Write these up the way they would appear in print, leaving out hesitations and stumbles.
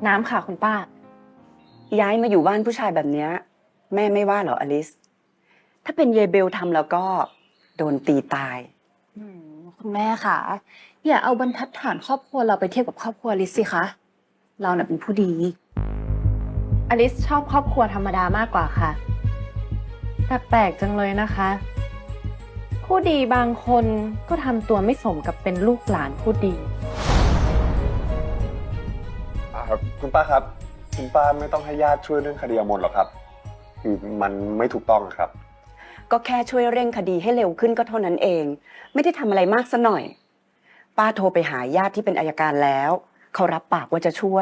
น้ำค่ะคุณป้าย้ายมาอยู่บ้านผู้ชายแบบเนี้ยแม่ไม่ว่าเหรออลิสถ้าเป็นเยเบลทำแล้วก็โดนตีตายคุณแม่ค่ะอย่าเอาบรรทัดฐานครอบครัวเราไปเทียบกับครอบครัวอลิสสิคะเราน่ะเป็นผู้ดีอลิสชอบครอบครัวธรรมดามากกว่าค่ะแต่แปลกจังเลยนะคะ ผู้ดีบางคนก็ทำตัวไม่สมกับเป็นลูกหลานผู้ดีคุณป้าครับคุณป้าไม่ต้องให้ญาติช่วยเรื่องคดีอมนหรอกครับคือมันไม่ถูกต้องครับก็แค่ช่วยเร่งคดีให้เร็วขึ้นก็เท่านั้นเอง ไม่ได้ทำอะไรมากซะหน่อย ป้าโทรไปหาญาติที่เป็นอัยการแล้วเขารับปากว่าจะช่วย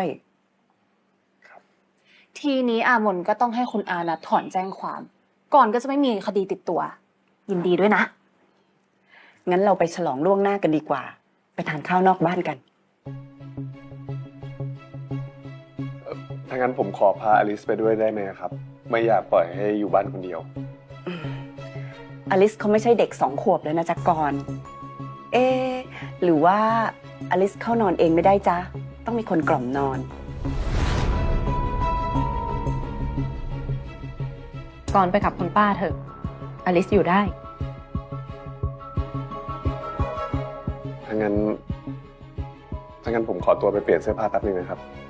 ทีนี้อามนก็ต้องให้คุณอานัทถอนแจ้งความ ก่อนก็จะไม่มีคดีติดตัว ยินดีด้วยนะงั้นเราไปฉลองล่วงหน้ากันดีกว่า ไปทานข้าวนอกบ้านกันถ้างั้นผมขอพาอลิสไปด้วยได้ไหมครับ ไม่อยากปล่อยให้อยู่บ้านคนเดียวอลิสเขาไม่ใช่เด็ก2 ขวบแล้วนะจ๊ะกรณ์หรือว่าอลิสเข้านอนเองไม่ได้จ๊ะต้องมีคนกล่อมนอนก่อนไปกับคุณป้าเถอะอลิสอยู่ได้ถ้างั้นผมขอตัวไปเปลี่ยนเสื้อผ้าแป๊บนึงนะครับ